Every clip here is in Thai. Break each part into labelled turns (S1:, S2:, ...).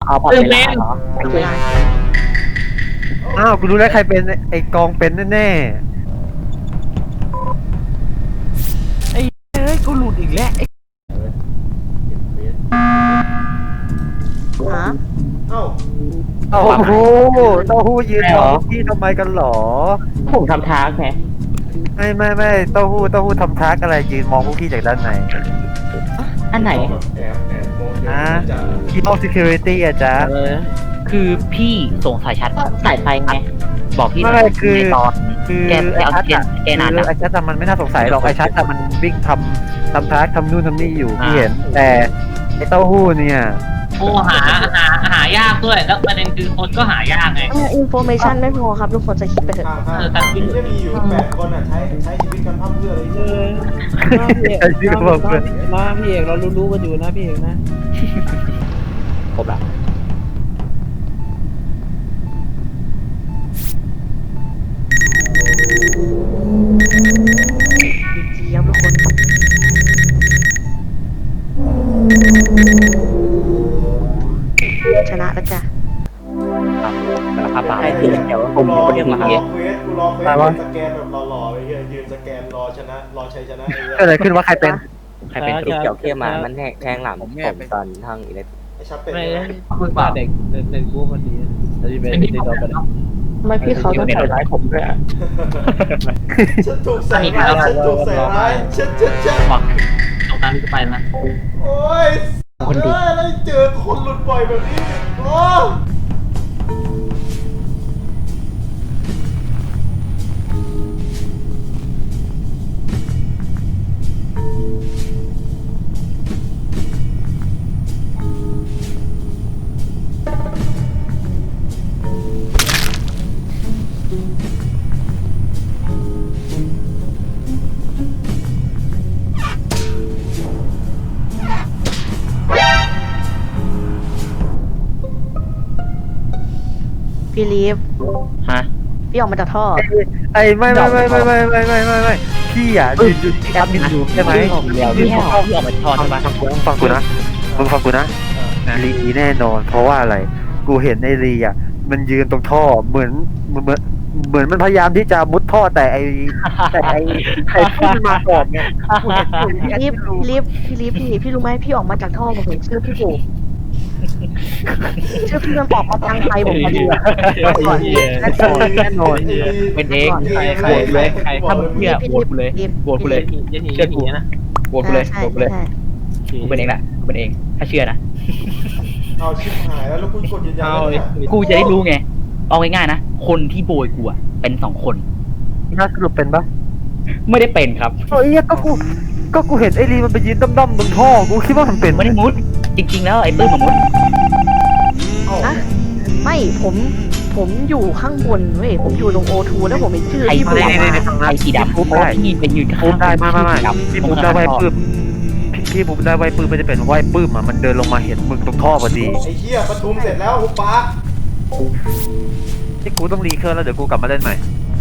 S1: เอาพอเวลาเหรอ
S2: เวลา
S3: อ้าวกูรู้แล้วใครเป็นไอ้กองเป็นแน่
S4: เฮ้ยกูหลุดอีกแล้วไอ้
S2: ฮะ
S3: ๆโอ้โหเต้าหู้ยืนมองพี่ทำไมกันหรอ
S1: ผมทำท้าไง
S3: ไม่เต้าหู้ทำทักอะไรยืนมองพวกพี่จากด้านใน
S1: อันไหน
S3: ที่ห้อง security อะจ๊ะ
S5: คือพี่สงสัยชัด
S1: สายไฟไง
S5: บอกพี่
S3: ไม่คือ
S5: ในตอน
S3: คือ
S5: แกไปเอาเทียนแกนาน
S3: คือ
S5: นะ
S3: ไอ้ชัดอะมันไม่น่าสงสัยหรอกไอ้ชัดอะมันวิ่งทำทักทำนู่นทำนี่อยู่พี่เห็น แต่ไอ้เต้าหู้เนี่ย
S6: โอ้หายากด้วยแล้วประเด็นคือคนก็หายากไง
S2: อินโฟเมชันไม่พอครับทุกคนจะคิดไปเถอะ
S6: แต่คือ
S7: จะมีอยู่8 คนอ่ะใช้ชีวิตกันพร่ำเพรื่อเลย
S3: ไอ้ที่บอกเพื่อน
S4: มาพี่เอกเรารู้กันอยู่นะพี่เอกนะ
S5: ครบละ
S2: เจี๊ยบทุกคนชนะแล้วจ้ะ
S5: สารภาพบาป
S1: ใครสีเขียวผ
S7: กู
S1: ม
S7: รอ
S1: คนเดียวมาครับ
S7: เควสยืนสแกนแบบหล่อๆไปเฮียยืนสแกนรอชนะรอชัยชนะไอ้เหี้ย
S3: เกิดอะไรขึ้นว่าใครเป็น
S5: ใครเป็น
S1: สีเขียวเข้มมามันแทงหลังผมตอนทางอิเล็ก
S7: ไอ้ชัดเป็น
S4: ไม่
S7: ไง
S4: พึ่งมาเด็กกูพอดีแล้วที่เป็นที่เราไป
S1: ไม่พี่เขาต้องใส่ร้ายผมด้วย
S7: ฉันถูกใส่ร้ายฉันถูกใส่ร้ายฉัน
S6: บอกตรงนั้นก็ไปนะ
S7: โอ้ยอะไรเจอคนหลุดบ่อยแบบนี้โอ้
S2: พี่ลีฟ
S5: ฮะ
S2: พี่ออกมาจากท่อ
S3: ไอ้ไม่พี่อ่ะยืนที่แอดมินอยู่ใช่ไหม
S5: เดี๋ยวพี่ออกมาทอนใช่ปะ
S3: ฟังกูนะมึงฟังกูนะลีแน่นอน เพราะว่าอะไร กูเห็นไอ้ลีอ่ะมันยืนตรงท่อเหมือนมันพยายามที่จะมุดท่อแต่ไอ้พุ่งมาก่อนไงกูเห็นที่แอด
S2: พี่
S3: มิน
S2: ลีฟพี่รู้ไหมพี่ออกมาจากท่อผมเห็นชื่อพี่โบชื่อพี่มันออกมาทางไทยผมพอดีอะ
S3: แน่นอน
S5: เป็นเอง
S4: ใครเลยใคร
S5: ถ้ามึงเชื่อโหวตกูเลยโหวตกูเลย
S4: ยันหีนะ
S5: โหวตกูเลย
S2: ใช่
S5: โหวตกูเลย
S2: ใช่
S5: กูเป็นเองแหละกูเป็นเองถ้าเชื่อนะ
S7: เอาชิบหายแล้วกูกดยืนยันแล้วเนี่ย
S5: กูจะได้รู้ไงเอาง่ายๆนะคนที่โบยกูอะเป็น2 คน
S3: น่าสรุปเป็นปะ
S5: ไม่ได้เป็นครับ
S3: เฮ้ยก็กูเห็นไอ้ลีมันไปยืนด้อมๆตรงท่อกูคิดว่ามันเป็น
S5: ไม่ได้มุด จริงๆแล้วไอ้ปื้มมามุด
S2: นะไม่ผมอยู่ข้างบนเว้ยผมอยู่ตรงโอทูแล้วผมเห็นชื่อ
S5: ไอ้
S2: พี่โบ
S5: ไม่
S2: ออกมา
S5: ไอ้สีดำ
S3: พูดได้
S5: ที่เป็นยืนข้าง
S3: พูดได้ไม่พี่พูดได้ไว้ปื้ม
S5: ม
S3: พี่พูดได้ไว้ปื้มมันจะเป็นไว้ปื้มอ่ะมันเดินลงมาเห็นมึงตรงท่อพอดี
S7: ไอ้เหี้ยประทุมเสร็จแล้วหุบปาก
S3: ที่กูต้องรีเคอร์แล้วเดี๋ยวกูกลับมาเล่นใหม่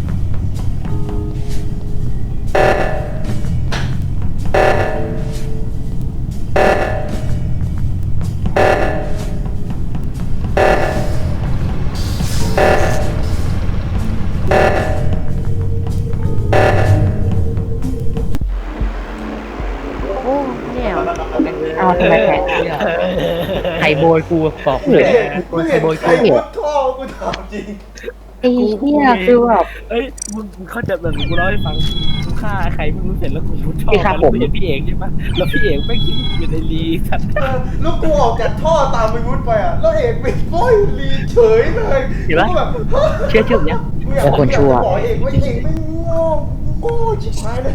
S2: โอ้เนี่ย
S1: เอาทำไมแทง
S5: ใครโบยกูบอกกูเลย
S7: มึงเห็นใครมุดท่อกูถามจริง
S1: ไอ้เนี่ยคือแบบ
S4: เอ้ยมึงเข้าใจแบบกูเล่าให้ฟังกูฆ่าใครไม่รู้เสร็จแล้วกูชอบแล้วเห็นพี่เอกใช่ปะแล้วพี่เอกไม่คิดอยู่ในรีสัตว์
S7: แล้วกูออกจากท่อตามไปมุดไปอ่ะแล้วเอกไปโป้ยลีเฉยเลยกูแบบ
S5: เชื่อเนี่ย
S7: บอกเอกว่าเอกไม่โง่ชิบหายเลย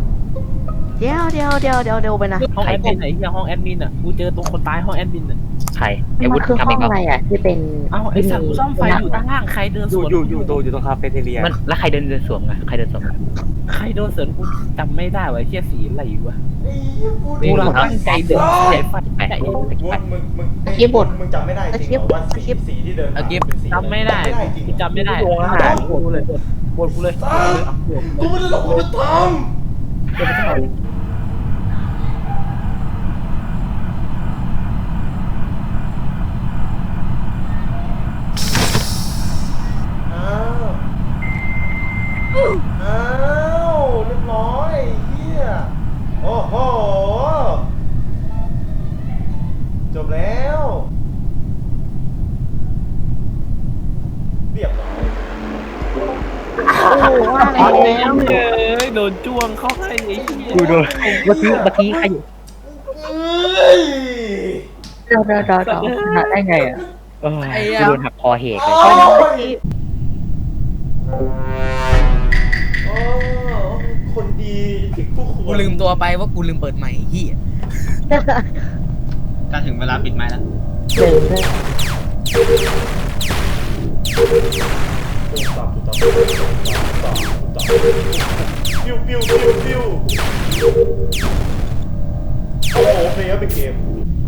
S2: เดี๋ยวไปนะ
S4: ห้องแอดมินไหนที่ห้องแอดมินอ่ะกูเจอตรงคนตายห้องแอดมินอ่ะ
S5: ใครไอ้
S2: มั
S5: วุ
S2: น
S5: ฒิ
S2: คือ
S5: ทำ
S2: ห้
S5: เอ
S2: อง ง
S5: เหร
S2: อะไรอ่ะที่เป็น
S4: เอ้าไอ้สัตว์กูซ่อมไฟอยู่ด้านล่างใครเดินสวน
S1: อยู่ตรงคาเฟ่เทเรีย
S5: มันแล้วใครเดินสวมอะใครเดินสวมอะ
S4: ใครโดนสวนกูจำไม่ได้ว่ะเชี่ยสีอะไรวะ
S7: ไอ้เหี้ยพูด
S4: กูเราตั้งใจเดินสายไฟ
S5: ไป
S4: ใจ
S7: วุฒิมึง
S2: สคริปต์บท
S7: มึงจำไม่ได้จริงเหรอว่า
S2: สคริปต์
S7: สีที่เดิน
S4: เอาเก็บ
S7: เป็นสีอะร
S4: จำไม่ได้
S7: จริงเหรอ
S4: จำไม่ได้
S2: โรงอาหาร
S4: ปวดกูเลยปวดกูเลย
S7: กูไม่ได้หลอกกูจะทำอ้าวอ้าวเรียบร้อยเฮียโอ้โหจบแล้วเรียบร้อย
S2: โอ้ว่าแล้ว
S4: โดนจ้วงเข้าให้ไอ้เหี้ย
S5: กูโดนเมื่อกี้ใครอยู่
S7: เอ้ย
S2: เดี๋ยว
S5: หักได้ไงอ่ะกูโดนหักคอเหตุเลย
S7: โอ้ยโอ้คนดีถึงผู้ควร
S8: กูลืมตัวไปว่ากูลืมเปิดไมค์เฮีย
S6: ก็ถึงเวลาปิดไม้แล้ว
S2: เดินเลย
S7: ตอบปิ้วปิ้วปิ้วปิ้วโอ้โหเพลย์เป็นเกม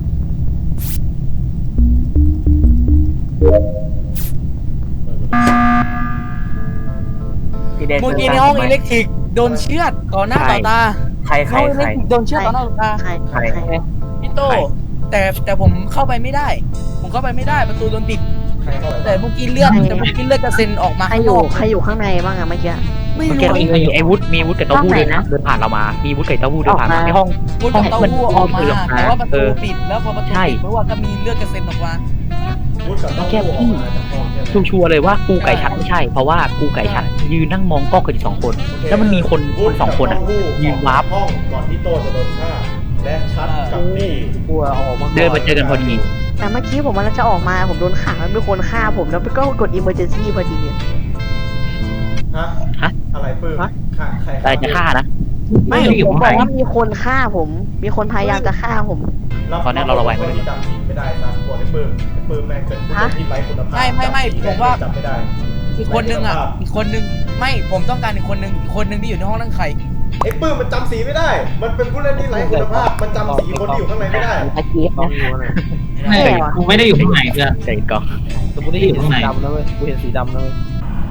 S1: พี่เดช
S8: เมื่อกี้ในห้องอิเล็กทริกโดนเชือดต่อหน้าต่อตา
S1: ใคร
S8: ห้องอิเล็กทริกโดนเชือดต่อหน้าต่อตา
S2: ใคร
S8: พี่โตแต่ผมเข้าไปไม่ได้ ผมเข้าไปไม่ได้ประตูโดนปิด
S7: ใครเข้าไป
S8: แต่เมื่อกี้เลือดกระเซ็นออกมา
S2: ใคร
S8: ข้าง
S2: อน ยู่
S8: อก
S2: ใครอยู่ข้างในบ้างอะเมื่อกี้
S8: ไม่
S5: เมื่อ
S8: รู้
S5: กี้มีไอ้วุฒิมีวุฒิกับเต้าหู้ด้วยนะเดินผ่านเรามามีวุฒิกับเต้าหู้เดินผ่านมาในห้อง
S8: วุ้นกับเต้าหู้ออกมาแต่ว่าประตูปิดแล้วพอประตู
S5: ใช่
S8: ปิดเพราะว่าก็มีเลือดกระเซ็นออกมา
S7: พูดกับต้องพูดออกมาจากห้องใช่ไหม
S5: ชัวร์เลยว่ากูไก่ฉันไม่ใช่ เพราะว่ากูไก่ฉันยืนนั่งมองกล้องกันอยู่2 คน แล้วมันมีคนสองคนอ่ะยืนวาร์ป
S7: ห้องก่อนที่โตจะโดนฆ่าและชัดกับนี่
S4: กลัวออกมา
S5: เดินมาเจอกันพอดี
S2: แต่เมื่อกี้ผมมันจะออกมาผมโดนขังแล้วมีคนฆ่าผมแล้วก็กด emergency พอดี
S7: ฮะอะไรปื้มฆ่าใคร
S5: อะไรจะฆ่านะ
S2: ไม่
S5: ไม่อยู่
S2: ผม
S5: ข้าง
S2: บ
S5: ใน
S2: อกว่ามีคนฆ่าผม มีคนพยายามจะฆ่าผม
S5: ตอนนี้เราระแวง
S7: คนที่จำผิดไม่ได้นะกลัวไอ้ปื้มแม่งเป็นผู้เล่นที่ไร้คุณภาพ
S8: ไม่ผมว่า
S7: จำไม่ได้
S8: อีกคนนึงอ่ะอีกคนนึงไม่ผมต้องการอีกคนนึงที่อยู่ในห้องนั่งใคร
S7: ไอ้ปื้มมันจำสีไม่ได้ มันเป็นผู้เล่นที่ไร้คุณภาพ มันจำสีคนที่อยู่ข้างในไม่ได้
S2: อาชีพ
S4: ต้อ
S2: นะ
S4: งรู้นะ
S6: กูไม่ได้อยู่ข้างในเพื่อน
S5: ใจกล้อง
S4: แต่กูได้เห็นสีดำนะเว้ยกูเห็นสีดำนะเว้ย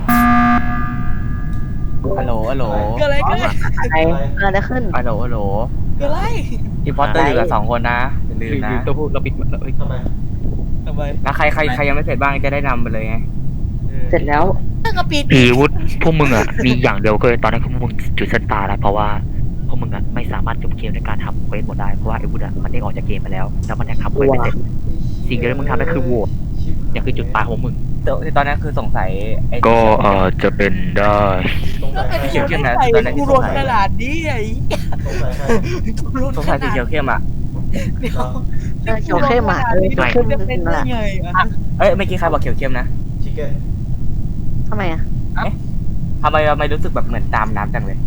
S1: ฮัลโหล
S8: เกิดอะไรขึ้น
S2: ใครเกิดอะไรขึ้น
S1: ฮัลโหล
S8: เกิดอะไร
S1: อีพอตเตอร์อยู่กับ2 คนนะอย่าลืมนะ
S5: เต้าหู้เราปิดแล้ว
S7: ทำไม
S8: ทำไม
S1: แล้วใครยังไม่เสร็จบ้างจะได้นำไปเลยไง
S2: เสร็จแล้ว
S8: ตั้งกระปิด
S5: พีวุฒิพวกมึงอ่ะมีอย่างเดียวคือตอนนี้พวกมึงจุดสตาร์แล้วเพราะว่าพวกมึงอ่ะไม่สามารถจบเกมด้วยการทำเควสหมดได้เพราะว่าไอ้วุฒิอ่ะมันได้ออกจากเกมไปแล้วแล้วมันยังทำเควสไม่เสร็จสิ่งเดียวที่มึงทำได้คือโหวตอย่างคือจุดตายของมึง
S1: แต่ตอนนั้นคือสงสัยไอ้
S5: ก็จะเป็นได้
S7: สงสัยใคร
S1: เขียวเข้มนะ
S8: ใส่
S1: ตอนนั้นที่
S8: กู
S1: ส
S8: โด
S1: ง
S8: น
S1: สัย
S8: ขนาดนี้ไอ้
S7: สงสัยใคร
S8: กูโดน
S1: สงสัยสีเขียวเข้มอ่ะ
S8: เดี๋ยว
S2: เขียวเข้มอ่ะเขียวเข้ม
S8: จะ
S2: จ
S8: เป็
S2: ริ
S8: น
S2: งๆ
S8: ได้
S2: แหละ
S8: ไงอ่ะ
S1: เอ้ยเมื่อกี้ใครบอกเขียวเข้มนะ
S7: ชิคเก้น
S2: ทำไมอ่ะ
S1: ทำไมรู้สึกแบบเหมือนตามน้ำจังเลย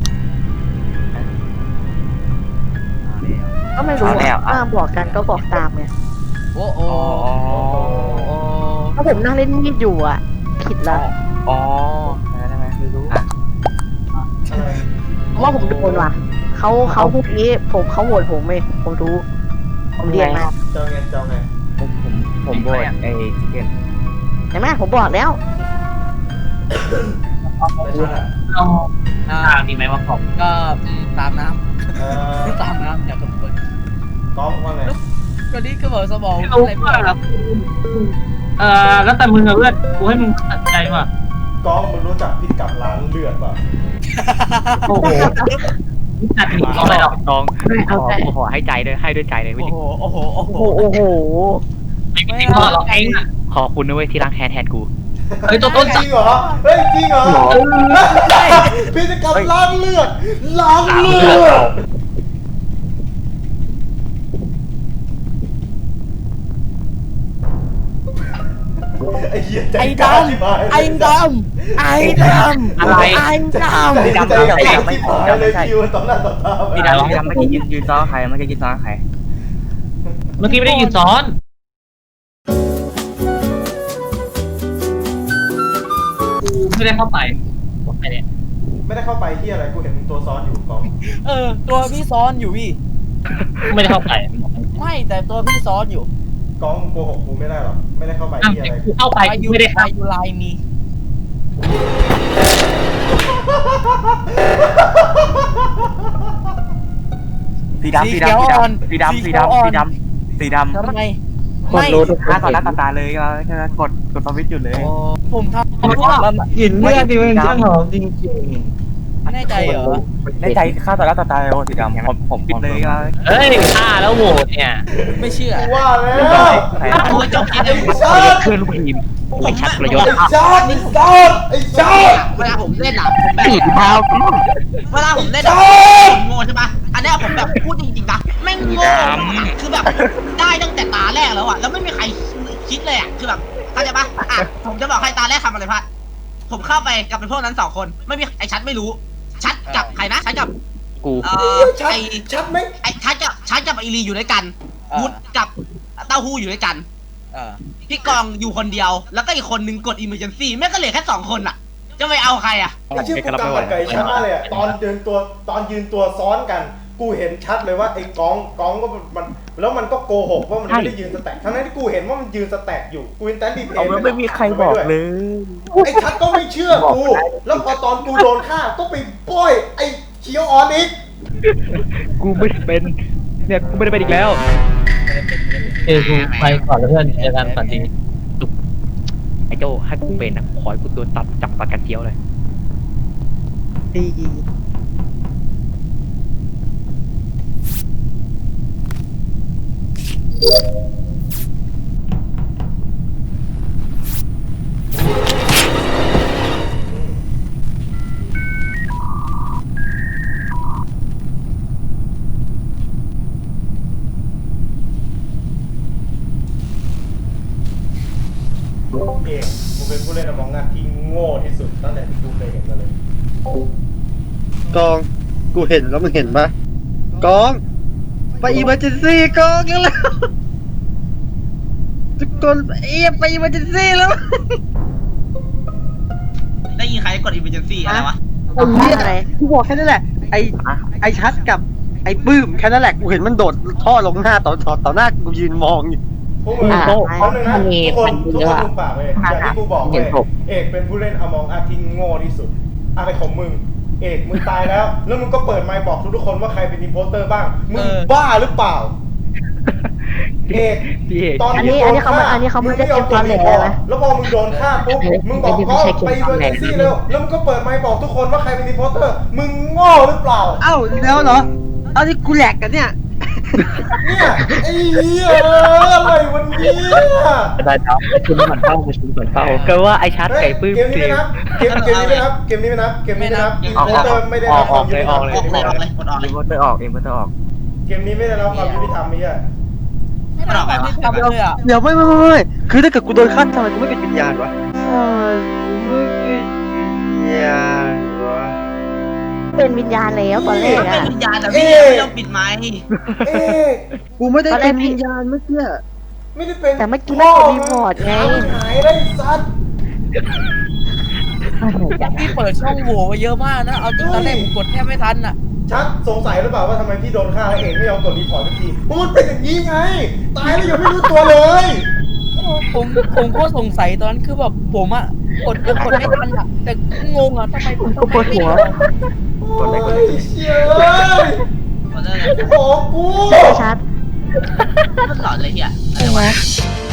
S2: ก็ไม่รู้
S1: เอาแล้ว
S2: ว่าบอกกันก็บอกตามไง
S8: โอ้โห
S2: ถ้าผมนั่งเล่นมีดอยู่อ่ะ ผิดละ
S1: อ๋อได้ไหมไม่รู้อ่ะ
S7: อะไร
S2: เพราะว่าผมโดนว่ะเขาพวกนี้เขาโหวตผมเองผมรู้ ผมเรียนมา
S7: เจ้าไง
S1: ผมโบยไอ้ชิคเก้น
S2: เห็นไหมผมบอกแล้ว
S7: ไม่ใช่
S6: เอา
S8: อ่า
S6: ตามดีไหมว่าผม
S8: ก็ตามน้
S7: เอ่อ
S8: ำตามน้ำจากทุกคน
S7: ก้องว่าไง
S8: ก็นี่ก็บอกสมอง
S6: ไม่รู้
S8: อะไร
S6: ว่าแล้วแต่มึงอะเพื่อนกูให้มึงตัดใจว่ะ
S7: ก้องมึงรู้จักพิกัดร้านเลือดป่ะ
S1: โอ้โห
S6: ตัดหนีเขาไปหรอก
S5: น้อง
S2: ไม่เอาแต่
S5: ขอให้ใจด้วยให้ด้วยใจเลย
S8: โอ้
S5: วิธี
S8: โหโอ้โหโอ้โห
S2: โอ้โห
S6: ไม่มีพ่อหรอกเองอะ
S5: ขอบคุณนะเว้ยที่ล้างแค้นแทนกู
S6: เฮ้ยตัวต้น
S7: จริงเหรอ เฮ้ยจริงเหรอพิกัดร้านเลือดร้านเลือดไอ้เหี้ยใจ
S8: ไอ้
S7: กล้า
S8: ด
S7: ชิบหาย
S8: ำไอ้ดำไอ้ดำ
S1: อะไร
S8: ไอ้ดำ
S7: ใจกล้าชิบหายเลยคิวต่อหน้าต่อตา
S1: พี่ดำเมื่อกี้ยืนซ้อใครเมื่อกี้ยืนซ้อใคร
S6: เมื่อกี้ไม่ได้ยืนซ้อนไม่ได้เข้าไปไปเนี่ย
S7: ไม่ได้เข้าไปที่อะไรกูเห็นมึงตัวซ้อนอยู่กอง
S8: ตัวพี่ซ้อนอยู่พี่
S6: ไม่ได้เข้าไป
S8: ไม่แต่ตัวพี่ซ้อนอยู่
S7: กองโกหกกูไม่ได้หรอกไม่ได้เข้าไป
S6: อ้าว
S7: ที่อะไร
S6: กูเข้าไปกูไม่ได้เข้า
S8: ยูไลมี
S1: สีดำสีดำสีดำสีดำสีดำสีดำ
S8: ทำไม
S1: กดรู้ทุกครั้งต่อหน้าต่อตาเลยก็แค่นั้นกดสวิตช์หยุดเลย
S8: ผมทำเพราะว่า
S1: หินเลือดดิมันช่างหอมจริง
S8: แน่ใจเหรอ
S1: ในใจข้าต่อหน้าต่อตาเลยสีดำผมปิดเลยก็
S6: เฮ้ยฆ่าแล้วโหวตเนี่ย
S8: ไม่เชื่อ
S7: กูว่าแล้ว
S6: โอ้ยจบกิน
S7: ไอ้ชาติ
S5: เพื่อนลูกทีมไอ้ชัดประโยชน์
S7: ไอ้ชาติไอ้ชาติไอ้ชาติ
S9: เวลาผมเล่นอ่ะผมแบบ
S5: สีเท้า
S9: เวลาผมเล่นอะผมโง่ใช่ปะอันเนี้ยผมแบบพูดจริงๆนะแม่งโง่คือแบบได้ตั้งแต่ตาแรกแล้วอ่ะแล้วไม่มีใครคิดเลยอ่ะคือแบบเข้าใจปะอ่ะผมจะบอกให้ตาแรกทำอะไรพลาดผมเข้าไปกับเป็นพวกนั้น2 คนไม่มีไอ้ชัดไม่รู้ชัดกับใครนะชัดกับ
S5: กู
S7: ชัด
S9: ไอ้
S7: ชัดไหม
S9: ไอ้ชัดกับไอรีอยู่ด้วยกัน
S8: อ่า
S9: วุฒกับเต้าหู้อยู่ด้วยกัน พี่กองอยู่คนเดียวแล้วก็อีกคนนึงกด emergency แม่งก็เหลือแค่2 คนอ่ะ จะไปเอาใครอ่ะ
S7: ไอ้ชื่อกูกำกับไก่ชัดมากเลยอะตอนยืนตัวซ้อนกัน กูเห็นชัดเลยว่าไอ้กองก็มันแล้วมันก็โกหกว่ามันไม่ได้ยืนสแต็กทั้งนั้นที่กูเห็นว่ามันยืนสแต็กอยู่กูเห็นแต่ดีเพ
S1: เอา
S7: น
S1: ไม่มีใครบอกเลย
S7: ไอ้ชัดก็ไม่เชื่อกูแล้วพอตอนกูโดนฆ่าก็ไปป้อยไอ้เคียวออนอีก
S5: กูไม่ได้เป็นเนี่ยกูไม่ได้เป็นอีกแล้ว
S6: กูไปก่อนแล้วเพื่อนเจอกันฝันดี
S5: ไอ้โจให้กูเป็นนะขอให้กูโดนตัดจับปากกันเจียวเลย
S7: เอกกูเป็นผู้เล่นอมองงานที่โง่ที่สุดตั้งแต่ที่กูเคยเห็นมาเลย
S3: กองกูเห็นแล้วมึงเห็นปะกองไปอีเมอร์เจนซี่กองกันแล้วทุกคนไปอีเมอร์เจนซี่แล้ว
S9: ได้ยินใครกด emergency อะไรวะ
S2: อะไร
S3: กูบอกแค่นั้นแหละไอชัดกับไอปื้มแค่นั้นแหละกูเห็นมันโดดท่อลงหน้าต่อหน้ากูยืนมองอยู่
S7: พวกมึงเขาหนึ่งนะทุกคนดูปากเลยอย่างที่กูบอกเลยเอกเป็นผู้เล่นอมองอาที่โง่ที่สุดอะไรของมึงเอกมึงตายแล้วแล้วมึงก็เปิดไมค์บอกทุกคนว่าใครเป็นอินโพสเตอร์บ้างมึงบ้าหรือเปล่าเอกตอนนี้เขาไม่ได้เตรียมความแหลกเลยแล้วพอมึงโดนฆ่าปุ๊บมึงบอกก็ไปเวอร์เจนซี่แล้วมึงก็เปิดไมค์บอกทุกคนว่าใครเป็นอินโพสเตอร์มึงโง่หรือเปล่า
S3: เอ้าแล้วเหรอเอาที่กูแหลกกันเนี่ย
S7: เนี่ยไอ้เหี้ยอะไรวันนี้
S5: ได้ครับไอ้ชุนเหมือนเป้าไอ้ชุนเหมือนเป้าก็ว่าไอ้ชัดไก่ปื้ม
S7: เกมนี้ไม่นับเกมนี้ไม่นับเกมนี้ไม่นับเกมนี้ไม่นับอินโพสเตอร์ไม่ได้รับความยุติธรรม
S9: ออกเลยกดออกเลย
S1: เองก็จะออกเองก็จะออก
S7: เกมนี้ไม่ได้รับความยุติธรรมนี่อ่ะ
S8: ไม่ได้แบบนี้ทำเลยอ่ะ
S3: เดี๋ยวไม่คือถ้าเกิดกูโดนฆ่าทำไมกูไม่เป็นวิญญาณวะ
S2: เป็นวิญญาณแล้วตอนแรก
S9: เป็
S2: อะ
S9: นวิญญาณแต่พี่ไม่ต้องปิดไมค์
S7: เอ๊ะ
S3: กูไม่ได้เป็นวิญญาณเมื่อกี้
S7: ไม่ได้เป็น
S2: แต่เมื่อกี้ไม่กดรีพอร์ตไง
S7: หายได้ซัด
S8: พี่เปิดช่องโหว่ไว้เยอะมากนะ เอาจริงตอนแรกผมกดแทบไม่ทันอ่ะ
S7: ชัดสงสัยหรือเปล่าว่าทำไมพี่โดนฆ่าแล้วเองไม่ยอมกดรีพอร์ตสักทีเพราะมันเป็นอย่างนี้ไงตายแล้วยังไม่รู้ตัวเลย
S8: ผมก็สงสัยตอนนั้นคือแบบผมอ่ะกดไม่ทันอ่ะแต่งงอ่ะทำไมผมต้อง
S1: ปวดหัว
S7: โอ้ยเชี่ย
S9: กดเลย
S7: โอ้กู
S2: ชัด
S9: มันหลอนเลยเฮียอะไรวะ